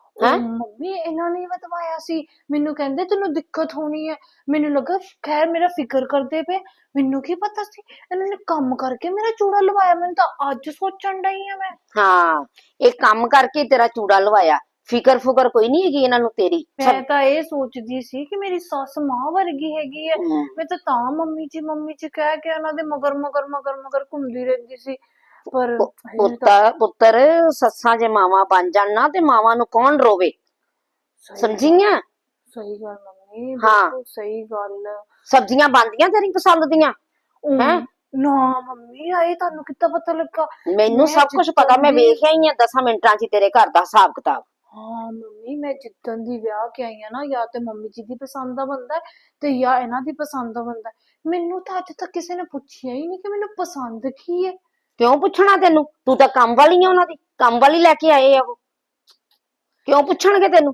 S3: ਮੰਮੀ ਇਹਨਾਂ ਨੇ ਬਤਵਾਇਆ ਸੀ, ਮੈਨੂੰ ਕਹਿੰਦੇ ਤੈਨੂੰ ਦਿੱਕਤ ਹੋਣੀ ਹੈ। ਮੈਨੂੰ ਲੱਗਾ ਖੈਰ ਮੇਰਾ ਫਿਕਰ ਕਰਦੇ ਪਏ, ਮੈਨੂੰ ਕੀ ਪਤਾ ਸੀ ਇਹਨਾਂ ਨੇ ਕੰਮ ਕਰਕੇ ਮੇਰਾ ਚੂੜਾ ਲਵਾਇਆ। ਮੈਨੂੰ ਤਾਂ ਅੱਜ ਸੋਚਣ ਡਈ ਆ ਮੈਂ।
S2: ਹਾਂ, ਇਹ ਕੰਮ ਕਰਕੇ ਤੇਰਾ ਚੂੜਾ ਲਵਾਇਆ। ਫਿਕਰ ਫੁਕਰ ਕੋਈ ਨਹੀਂ ਹੈਗੀ ਇਹਨਾਂ ਨੂੰ ਤੇਰੀ।
S3: ਮੈਂ ਤਾਂ ਇਹ ਸੋਚਦੀ ਸੀ ਕਿ ਮੇਰੀ ਸੱਸ ਮਾਂ ਵਰਗੀ ਹੈਗੀ ਹੈ। ਮੈਂ ਤਾਂ ਮੰਮੀ ਜੀ ਕਹਿ ਕੇ ਉਹਨਾਂ ਦੇ ਮਗਰ ਘੁੰਮਦੀ ਰਹਿੰਦੀ ਸੀ। ਪਰ
S2: ਪੁੱਤਰ ਸੱਸਾਂ ਜੇ ਮਾਵਾਂ ਬਣ ਜਾਣ ਨਾ ਤੇ ਮਾਵਾਂ ਨੂੰ ਕੌਣ ਰੋਵੇ, ਸਮਝੀਆਂ?
S3: ਸਹੀ ਗੱਲ ਮੰਮੀ, ਬਿਲਕੁਲ ਸਹੀ ਗੱਲ।
S2: ਸਬਜ਼ੀਆਂ ਬਣਦੀਆਂ ਤੇਰੀ ਪਸੰਦ ਦੀਆਂ?
S3: ਹੈ ਨਾ ਮੰਮੀ, ਆਏ ਤੁਹਾਨੂੰ ਕਿੱਦਾਂ ਪਤਾ ਲੱਗਾ?
S2: ਮੈਨੂੰ ਸਭ ਕੁਝ ਪਤਾ, ਮੈਂ ਵੇਖਿਆ ਹੀ ਆ 10 ਮਿੰਟਾਂ 'ਚ ਤੇਰੇ ਘਰ ਦਾ ਹਿਸਾਬ ਕਿਤਾਬ।
S3: ਹਾਂ ਮੰਮੀ, ਮੈਂ ਜਿੱਦਣ ਦੀ ਵਿਆਹ ਕੇ ਆਈ ਆ ਨਾ, ਜਾਂ ਤੇ ਮੰਮੀ ਜੀ ਦੀ ਪਸੰਦ ਦਾ ਬੰਦਾ ਤੇ ਜਾਂ ਇਹਨਾਂ ਦੀ ਪਸੰਦ ਦਾ ਬੰਦਾ। ਮੈਨੂੰ ਤਾਂ ਅੱਜ ਤੱਕ ਕਿਸੇ ਨੇ ਪੁੱਛਿਆ ਹੀ ਨਹੀਂ ਕਿ ਮੈਨੂੰ ਪਸੰਦ ਕੀ ਹੈ।
S2: ਕਿਉਂ ਪੁੱਛਣਾ ਤੈਨੂੰ? ਤੂੰ ਤਾਂ ਕੰਮ ਵਾਲੀ ਆ, ਉਹਨਾਂ ਦੀ ਕੰਮ ਵਾਲੀ ਲੈ ਕੇ ਆਏ ਆ ਉਹ। ਕਿਉਂ ਪੁੱਛਣਗੇ ਤੈਨੂੰ?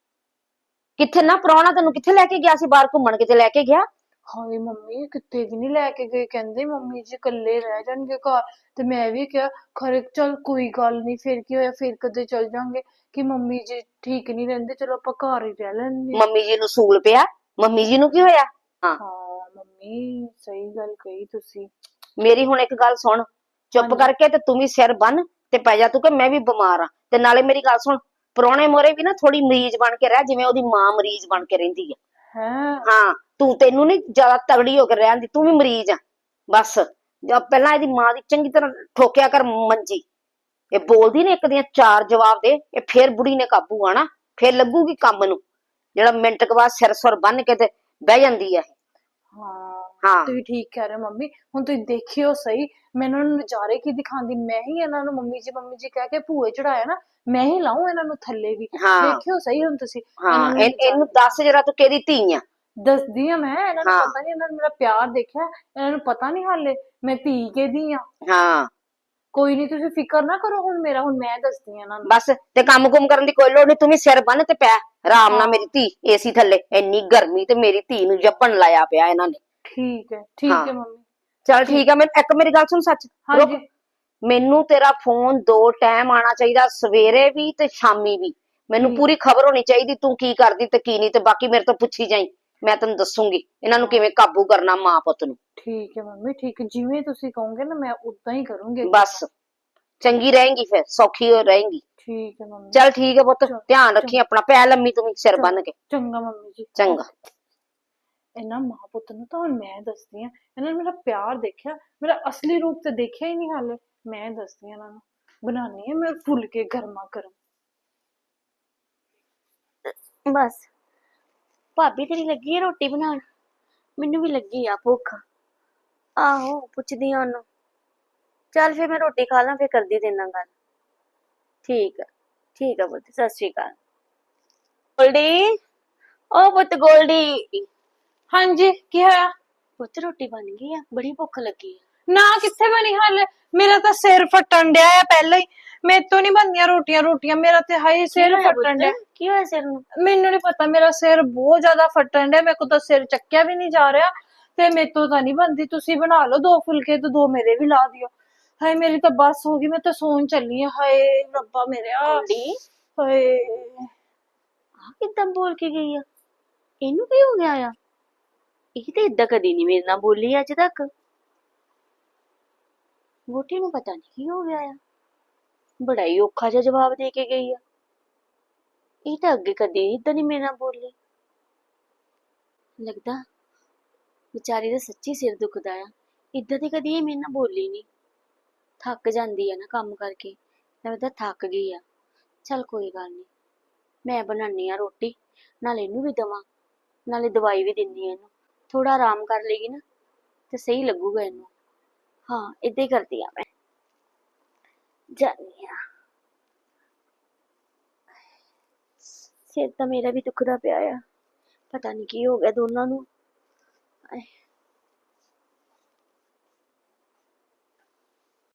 S2: ਕਿੱਥੇ ਨਾ ਪ੍ਰਾਹੁਣਾ ਤੈਨੂੰ ਕਿੱਥੇ ਲੈ ਕੇ ਗਿਆ ਸੀ? ਬਾਹਰ ਘੁੰਮਣ ਕਿਤੇ ਲੈ ਕੇ ਗਿਆ?
S3: ਹਾਏ ਮੰਮੀ, ਕਿਤੇ ਵੀ ਨਹੀਂ ਲੈ ਕੇ ਗਏ। ਕਹਿੰਦੇ ਮੰਮੀ ਜੀ ਇਕੱਲੇ ਰਹਿ ਜਾਣਗੇ ਘਰ। ਤੇ ਮੈਂ ਵੀ ਕਿਹਾ ਖਰੇ ਚੱਲ ਕੋਈ ਗੱਲ ਨਹੀਂ, ਫਿਰ ਕੀ ਹੋਇਆ, ਫਿਰ ਕਦੇ ਚਲ ਜਾਾਂਗੇ। ਕਿ ਮੰਮੀ ਜੀ ਠੀਕ ਨਹੀਂ ਰਹਿੰਦੇ, ਚਲੋ ਆਪਾਂ ਘਰ ਹੀ ਰਹਿ ਲੈਂਦੇ।
S2: ਮੰਮੀ ਜੀ ਨੂੰ ਸੂਲ ਪਿਆ, ਮੰਮੀ ਜੀ ਨੂੰ ਕੀ ਹੋਇਆ?
S3: ਹਾਂ ਮੰਮੀ, ਸਹੀ ਗੱਲ ਕਹੀ ਤੁਸੀਂ।
S2: ਮੇਰੀ ਹੁਣ ਇੱਕ ਗੱਲ ਸੁਣ, ਚੁੱਪ ਕਰਕੇ ਤੇ ਤੂੰ ਵੀ ਸਿਰ ਬੰਨ ਤੇ ਪੈ ਜਾ ਤੂੰ, ਕਿ ਮੈਂ ਵੀ ਬਿਮਾਰ ਆ। ਤੇ ਨਾਲੇ ਮੇਰੀ ਗੱਲ ਸੁਣ, ਪ੍ਰਾਹੁਣੇ ਮੋਰੇ ਵੀ ਨਾ ਥੋੜੀ ਮਰੀਜ਼ ਬਣ ਕੇ ਰਹਿ, ਜਿਵੇਂ ਉਹਦੀ ਮਾਂ ਮਰੀਜ਼ ਬਣ ਕੇ ਰਹਿੰਦੀ ਆ। ਹਾਂ, ਤੈਨੂੰ ਨੀ ਜ਼ਿਆਦਾ ਤਗੜੀ ਹੋ ਕੇ ਰਹਿਣ ਦੀ, ਤੂੰ ਵੀ ਮਰੀਜ਼ ਆ ਬਸ। ਪਹਿਲਾਂ ਇਹਦੀ ਮਾਂ ਦੀ ਚੰਗੀ ਤਰ੍ਹਾਂ ਠੋਕਿਆ ਕਰ ਮੰਜੀ। ਇਹ ਬੋਲਦੀ ਨੇ ਇੱਕ ਦੀਆਂ ਚਾਰ ਜਵਾਬ ਦੇ, ਇਹ ਫੇਰ ਬੁੜੀ ਨੇ ਕਾਬੂ ਆਣਾ, ਫੇਰ ਲੱਗੂਗੀ ਕੰਮ ਨੂੰ। ਜਿਹੜਾ ਮਿੰਟ ਕੁ ਬਾਅਦ ਸਿਰ ਸੁਰ ਬੰਨ ਕੇ ਤੇ ਬਹਿ ਜਾਂਦੀ ਆ।
S3: ਹਾਂ ਤੁਸੀਂ ਠੀਕ ਕਹਿ ਰਹੇ ਹੋ ਮੰਮੀ। ਹੁਣ ਤੁਸੀਂ ਦੇਖਿਓ ਸਹੀ, ਮੈਂ ਇਹਨਾਂ ਨੂੰ ਨਜ਼ਾਰੇ ਕੀ ਦਿਖਾਉਂਦੀ। ਮੈਂ ਹੀ ਇਹਨਾਂ ਨੂੰ ਮੰਮੀ ਜੀ ਕਹਿ ਕੇ ਭੂਏ ਚੜਾਇਆ ਨਾ, ਮੈਂ ਹੀ ਲਾਉ ਇਹਨਾਂ ਨੂੰ ਥੱਲੇ ਵੀ। ਦੇਖਿਓ ਸਹੀ ਹੁਣ ਤੁਸੀਂ।
S2: ਇਹਨੂੰ ਦੱਸ ਜਰਾ ਤੂੰ ਕਿਹਦੀ ਧੀ ਆ?
S3: ਦੱਸਦੀ ਆ ਮੈਂ, ਇਹਨਾਂ ਨੂੰ
S2: ਹਾਂ।
S3: ਪਤਾ ਨਹੀਂ, ਇਹਨਾਂ ਨੇ ਮੇਰਾ ਪਿਆਰ ਦੇਖਿਆ, ਇਹਨਾਂ ਨੂੰ ਪਤਾ ਨਹੀਂ ਹਾਲੇ ਮੈਂ ਧੀ ਕਿਹਦੀ ਆ।
S2: ਹਾਂ
S3: ਕੋਈ ਨਹੀਂ, ਤੁਸੀਂ ਫਿਕਰ ਨਾ ਕਰੋ ਹੁਣ ਮੇਰਾ, ਹੁਣ ਮੈਂ ਦੱਸਦੀ ਆ ਇਹਨਾਂ ਨੂੰ।
S2: ਬਸ, ਤੇ ਕੰਮ ਕੁਮ ਕਰਨ ਦੀ ਕੋਈ ਲੋੜ ਨਹੀਂ, ਤੂੰ ਵੀ ਸਿਰ ਬੰਨ ਤੇ ਪੈ ਆਰਾਮ ਨਾਲ
S3: ਹਾਂ।
S2: ਮੇਰੀ ਧੀ ਏਸੀ ਥੱਲੇ। ਇੰਨੀ ਗਰਮੀ ਤੇ ਮੇਰੀ ਧੀ ਨੂੰ ਜੱਪਣ ਲਾਇਆ ਪਿਆ ਇਹਨਾਂ ਨੇ।
S3: ਠੀਕ ਹੈ, ਠੀਕ
S2: ਹਾਂ।
S3: ਹੈ ਮੰਮੀ।
S2: ਚਲ ਠੀਕ ਆ, ਮੈਂ ਇੱਕ ਮੇਰੀ ਗੱਲ ਸੁਣ ਸੱਚ, ਰੁਕ।
S3: ਹਾਂਜੀ।
S2: ਮੈਨੂੰ ਤੇਰਾ ਫੋਨ 2 ਟਾਈਮ ਆਣਾ ਚਾਹੀਦਾ, ਸਵੇਰੇ ਵੀ ਤੇ ਸ਼ਾਮੀ ਵੀ। ਮੈਨੂੰ
S3: ਠੀਕ।
S2: ਪੂਰੀ ਖਬਰ ਹੋਣੀ ਚਾਹੀਦੀ ਤੂੰ ਕੀ ਕਰਦੀ ਤੇ ਕੀ ਨਹੀਂ, ਤੇ ਬਾਕੀ ਮੇਰੇ ਤੋਂ ਪੁੱਛੀ ਜਾਈ, ਮੈਂ ਤੈਨੂੰ ਦੱਸੂਗੀ ਇਹਨਾਂ ਨੂੰ ਕਿਵੇਂ ਕਾਬੂ ਕਰਨਾ ਮਾਂ ਪੁੱਤ ਨੂੰ।
S3: ਠੀਕ ਹੈ ਮੰਮੀ, ਠੀਕ ਹੈ, ਜਿਵੇਂ ਤੁਸੀਂ ਕਹੋਗੇ ਨਾ ਮੈਂ ਉਦਾਂ ਹੀ ਕਰੂੰਗੀ।
S2: ਬਸ ਚੰਗੀ ਰਹੇਂਗੀ, ਫਿਰ ਸੌਖੀ ਹੋ ਰਹੇਂਗੀ।
S3: ਠੀਕ ਹੈ ਮੰਮੀ।
S2: ਚਲ ਠੀਕ ਹੈ ਪੁੱਤ,
S3: ਚਲ,
S2: ਧਿਆਨ ਰੱਖੀ ਆਪਣਾ, ਪੈ ਲੰਮੀ ਤੂੰ ਵੀ ਸਿਰ ਬੰਨ ਕੇ।
S3: ਚੰਗਾ ਮੰਮੀ ਜੀ।
S2: ਚੰਗਾ।
S3: ਇਹਨਾਂ ਮਾਂ ਪੁੱਤ ਨੂੰ ਤਾਂ ਹੁਣ ਮੈਂ ਦੱਸਦੀ ਆ, ਇਹਨਾਂ ਨੇ ਮੇਰਾ ਪਿਆਰ ਦੇਖਿਆ, ਮੇਰਾ ਅਸਲੀ ਰੂਪ ਤੇ ਦੇਖਿਆ ਹੀ ਨਹੀਂ ਹਾਲੇ। ਮੈਂ ਦੱਸਦੀ ਆ ਇਹਨਾਂ ਨੂੰ, ਬਣਾਉਣੀ ਆ ਮੈਂ ਫੁਲਕੇ ਗਰਮਾ ਗਰਮ।
S1: ਬਸ ਭਾਬੀ ਤੇਰੀ ਲੱਗੀ ਹੈ ਰੋਟੀ ਬਣਾਉਣ? ਮੈਨੂੰ ਵੀ ਲੱਗੀ ਆ ਭੁੱਖ। ਆਹੋ ਪੁੱਛਦੀ ਆ ਉਹਨੂੰ। ਚੱਲ ਫਿਰ ਮੈਂ ਰੋਟੀ ਖਾ ਲਾਂ, ਫਿਰ ਕਰਦੀ ਤੇਰੇ ਨਾਲ ਗੱਲ। ਠੀਕ ਆ ਪੁੱਤ, ਸਤਿ ਸ਼੍ਰੀ ਅਕਾਲ। ਗੋਲਡੀ, ਓ ਪੁੱਤ ਗੋਲਡੀ।
S3: ਹਾਂਜੀ, ਕੀ ਹੋਇਆ?
S1: ਪੁੱਤ ਰੋਟੀ ਬਣ ਗਈ ਆ, ਬੜੀ ਭੁੱਖ ਲੱਗੀ ਆ।
S3: ਨਾ ਕਿੱਥੇ ਬਣੀ ਹਾਲੇ, ਮੇਰਾ ਤਾਂ ਸਿਰ ਫਟਣ ਡਿਆ ਆ ਪਹਿਲਾਂ ਹੀ। ਮੇਰੇ ਤੋਂ ਨਹੀਂ ਬਣਦੀਆਂ ਰੋਟੀਆਂ, ਮੇਰਾ ਤੇ ਹਾਈ ਸਿਰ ਫਟਣ ਡਿਆ।
S1: ਕੀ ਹੋਇਆ ਸਿਰ ਨੂੰ?
S3: ਮੈਨੂੰ ਨਹੀਂ ਪਤਾ, ਮੇਰਾ ਸਿਰ ਬਹੁਤ ਜ਼ਿਆਦਾ ਫਟਣ ਡਿਆ, ਮੇਰੇ ਕੋਲ ਤਾਂ ਸਿਰ ਚੱਕਿਆ ਵੀ ਨਹੀਂ ਜਾ ਰਿਹਾ, ਤੇ ਮੇਰੇ ਤੋਂ ਤਾਂ ਨਹੀਂ ਬਣਦੀ। ਤੁਸੀਂ ਬਣਾ ਲਓ 2 ਫੁਲਕੇ ਤੇ 2 ਮੇਰੇ ਵੀ ਲਾ ਦਿਓ। ਹਾਏ ਮੇਰੀ ਤਾਂ ਬੱਸ ਹੋ ਗਈ, ਮੈਂ ਤਾਂ ਸੌਣ ਚੱਲੀ ਆ। ਹਾਏ ਰੱਬਾ ਮੇਰਿਆ,
S1: ਗੋਲਡੀ
S3: ਹਾਏ।
S1: ਆ ਕਿੱਦਾਂ ਬੋਲ ਕੇ ਗਈ ਆ? ਇਹਨੂੰ ਕੀ ਹੋ ਗਿਆ ਆ? ਇਹ ਤੇ ਏਦਾਂ ਕਦੀ ਨਹੀਂ ਮੇਰੇ ਨਾਲ ਬੋਲੀ ਅੱਜ ਤੱਕ। ਵੋਟੀ ਨੂੰ ਪਤਾ ਨਹੀਂ ਕੀ ਹੋ ਗਿਆ ਆ, ਬੜਾ ਹੀ ਔਖਾ ਜਿਹਾ ਜਵਾਬ ਦੇ ਕੇ ਗਈ ਆ। ਇਹ ਤਾਂ ਅੱਗੇ ਕਦੇ ਏਦਾਂ ਨਹੀਂ ਮੇਰੇ ਨਾਲ ਬੋਲੀ। ਲੱਗਦਾ ਵਿਚਾਰੀ ਦਾ ਸੱਚੀ ਸਿਰ ਦੁਖਦਾ ਆ, ਏਦਾਂ ਤੇ ਕਦੀ ਇਹ ਮੇਰੇ ਨਾਲ ਬੋਲੀ ਨਹੀਂ। ਥੱਕ ਜਾਂਦੀ ਆ ਨਾ ਕੰਮ ਕਰਕੇ, ਲੱਗਦਾ ਥੱਕ ਗਈ ਆ। ਚੱਲ ਕੋਈ ਗੱਲ ਨਹੀਂ, ਮੈਂ ਬਣਾਉਣੀ ਆ ਰੋਟੀ, ਨਾਲੇ ਇਹਨੂੰ ਵੀ ਦੇਵਾਂ, ਨਾਲੇ ਦਵਾਈ ਵੀ ਦਿੰਦੀ ਆ ਇਹਨੂੰ। ਥੋੜਾ ਆਰਾਮ ਕਰ ਲੇਗੀ ਨਾ ਤੇ ਸਹੀ ਲੱਗੂਗਾ ਇਹਨੂੰ। ਹਾਂ ਏਦਾਂ ਹੀ ਕਰਦੀ ਆ ਮੈਂ, ਜਾਨੀ ਆ। ਸਿਰ ਤਾਂ ਮੇਰਾ ਵੀ ਦੁਖਦਾ ਪਿਆ ਆ, ਪਤਾ ਨਹੀਂ ਕੀ ਹੋ ਗਿਆ ਦੋਨਾਂ ਨੂੰ।